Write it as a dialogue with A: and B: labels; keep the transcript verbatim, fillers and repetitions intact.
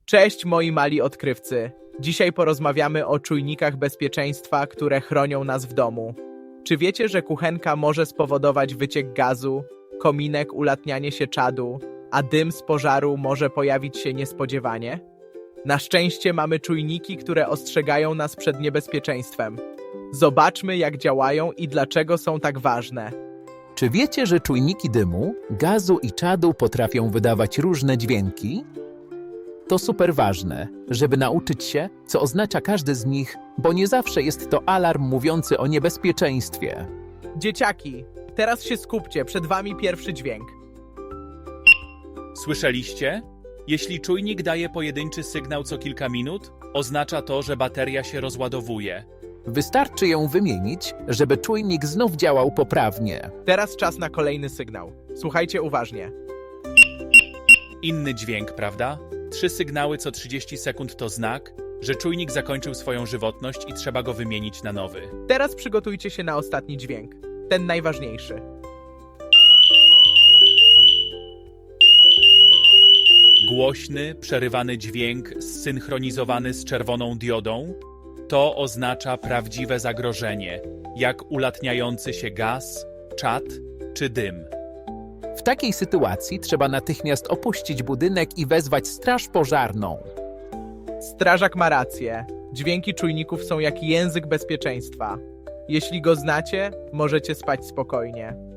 A: Cześć moi mali odkrywcy. Dzisiaj porozmawiamy o czujnikach bezpieczeństwa, które chronią nas w domu. Czy wiecie, że kuchenka może spowodować wyciek gazu, kominek ulatnianie się czadu, a dym z pożaru może pojawić się niespodziewanie? Na szczęście mamy czujniki, które ostrzegają nas przed niebezpieczeństwem. Zobaczmy, jak działają i dlaczego są tak ważne.
B: Czy wiecie, że czujniki dymu, gazu i czadu potrafią wydawać różne dźwięki? To super ważne, żeby nauczyć się, co oznacza każdy z nich, bo nie zawsze jest to alarm mówiący o niebezpieczeństwie.
A: Dzieciaki, teraz się skupcie, przed wami pierwszy dźwięk.
C: Słyszeliście? Jeśli czujnik daje pojedynczy sygnał co kilka minut, oznacza to, że bateria się rozładowuje.
B: Wystarczy ją wymienić, żeby czujnik znów działał poprawnie.
A: Teraz czas na kolejny sygnał. Słuchajcie uważnie.
C: Inny dźwięk, prawda? Trzy sygnały co trzydzieści sekund to znak, że czujnik zakończył swoją żywotność i trzeba go wymienić na nowy.
A: Teraz przygotujcie się na ostatni dźwięk. Ten najważniejszy.
C: Głośny, przerywany dźwięk zsynchronizowany z czerwoną diodą to oznacza prawdziwe zagrożenie, jak ulatniający się gaz, czad czy dym.
B: W takiej sytuacji trzeba natychmiast opuścić budynek i wezwać straż pożarną.
A: Strażak ma rację. Dźwięki czujników są jak język bezpieczeństwa. Jeśli go znacie, możecie spać spokojnie.